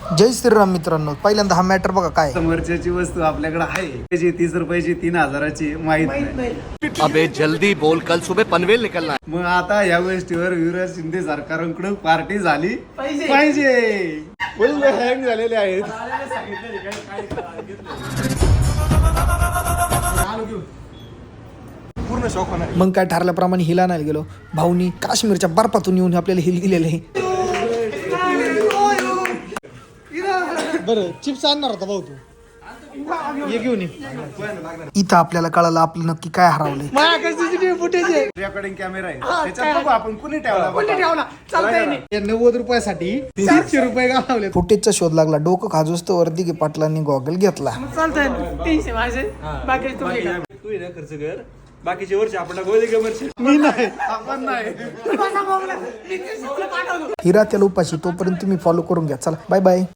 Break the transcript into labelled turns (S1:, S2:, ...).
S1: जय श्रीराम मित्रांनो, पहिल्यांदा हा मॅटर बघा काय
S2: समोरच्याची वस्तू आपल्याकडे आहे त्याची 30 रुपयाची 3000ची माहित नाही.
S3: अबे जल्दी बोल, कल सुबह पनवेल निकलना है.
S2: मग आता या गोष्टीवर युवराज शिंदे सरकारकडून पार्टी झाली पाहिजे. फुल हँग झालेले आहेत. पूर्ण शॉक होणार.
S1: मग काय ठरल्याप्रमाणे हिला नाही गेलो. भाऊनी काश्मीरच्या बर्फातून येऊन आपल्याला हिल दिलेले आहे. बरं चिप्स आणणार होता भाऊ तू, ये घेऊन ये. इथं आपल्याला कळालं आपलं नक्की काय हरवलंय.
S2: रेकॉर्डिंग कॅमेरा आहे त्याच्यात बघू आपण कुणी ठेवला
S1: 90 रुपयासाठी 300 रुपये घालवले. फुटेजचा शोध लागला. डोकं खाजोस तर वर्दी गे पाटलांनी गॉगल घेतला.
S4: तू ये ना खर्च कर, बाकीचे वर्ष आपण
S1: मी नाही
S2: आपण नाही.
S1: हिरा त्याला उपाशी. तोपर्यंत तुम्ही फॉलो करून घ्या. चला बाय बाय.